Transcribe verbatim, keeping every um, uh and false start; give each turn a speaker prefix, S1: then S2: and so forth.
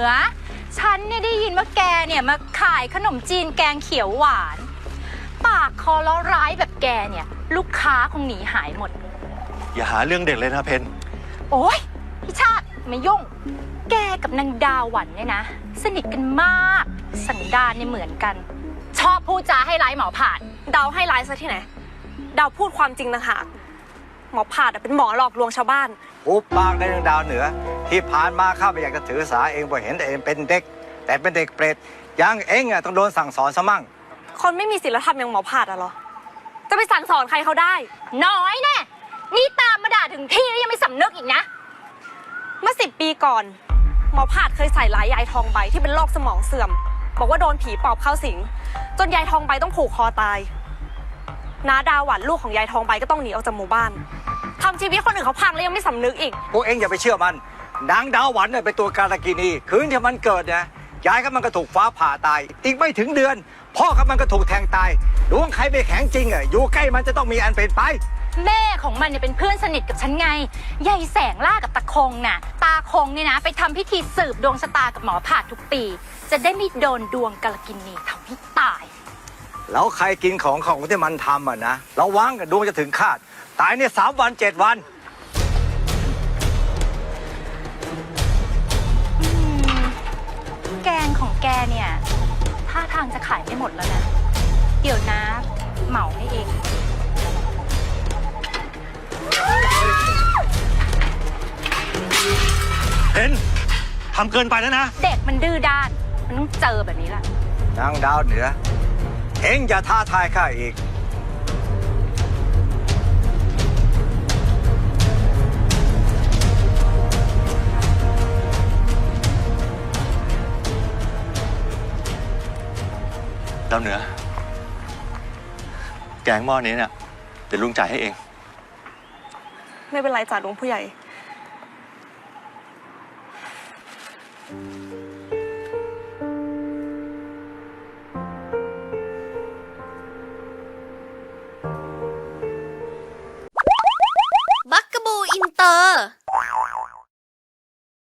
S1: อฉันเนี่ยได้ยินว่าแกเนี่ยมาขายขนมจีนแกงเขียวหวานปากคอล้อร้ายแบบแกเนี่ยลูกค้าคงหนีหายหมด
S2: อย่าหาเรื่องเด็กเลยนะเพน
S1: โอ๊ยพี่ชาติไม่ยุ่งแกกับนางดาวหวันเนี่ยนะสนิทกันมากสันดานเนี่ยเหมือนกันชอบพูดจาให้ร้ายหมอผ่าน
S3: ดาวให้ร้ายซะที่ไหนดาวพูดความจริงนะคะหมอผ่าเป็นหมอหลอกลวงชาวบ้าน
S4: อุบปากในเรื่องดาวเหนือที่ผ่านมาข้าไม่อยากจะถือสาเองเพราะเห็นแต่เองเป็นเด็กแต่เป็นเด็กเปรตยังเองอ่ะต้องโดนสั่งสอนซะมั่ง
S3: คนไม่มีศีลธรรมอย่างหมอผ่าอะเหรอจะไปสั่งสอนใครเขาได้
S1: น้อยแน่นี่ตามมาด่าถึงที่แล้วยังไม่สำนึกอีกนะ
S3: เมื่อสิบปีก่อนหมอผ่าเคยใส่ร้ายยายทองใบที่เป็นโรคสมองเสื่อมบอกว่าโดนผีปอบเข้าสิงจนยายทองใบต้องผูกคอตายน้าดาวหวันลูกของยายทองใบก็ต้องหนีออกจากหมู่บ้านทำชีวิตคนอื่นเขาพังแล้วยังไม่สำนึกอีก
S4: พวกเองอย่าไปเชื่อมันนางดาวหวันเนี่ยเป็นตัวการกินีคืนที่มันเกิดเนี่ยยายก็มันก็ถูกฟ้าผ่าตายอีกไม่ถึงเดือนพ่อกับมันก็ถูกแทงตายดวงใครไม่แข็งจริงอ่ะอยู่ใกล้มันจะต้องมีอันเป็นไป
S1: แม่ของมันเนี่ยเป็นเพื่อนสนิทกับฉันไงยายแสงล่ากับตาคงน่ะตาคงเนี่ยนะไปทำพิธีสืบดวงชะตากับหมอผ่าทุกปีจะได้ไม่โดนดวงกาลกินีทำให้ตาย
S4: แล้วใครกินของของที่มันทำอ่ะนะระวังกับดวงจะถึงคาดตายเนี่ยสามวันเจ็ดวัน
S1: แกงของแกเนี่ยท่าทางจะขายไม่หมดแล้วนะเดี๋ยวนะเหมาให้เอง
S2: เพนทำเกินไปแล้วนะ
S1: เด็กมันดื้อด้านมันต้องเจอแบบนี้แหละ
S4: นางดาวเหนือเอ็งอย่าท้าทายข้าอีก
S2: ดาวเหนือแกงหม้อนี้เนี่ยเดี๋ยวลุงจ่ายให้เอง
S3: ไม่เป็นไรจ่าหลวงผู้ใหญ่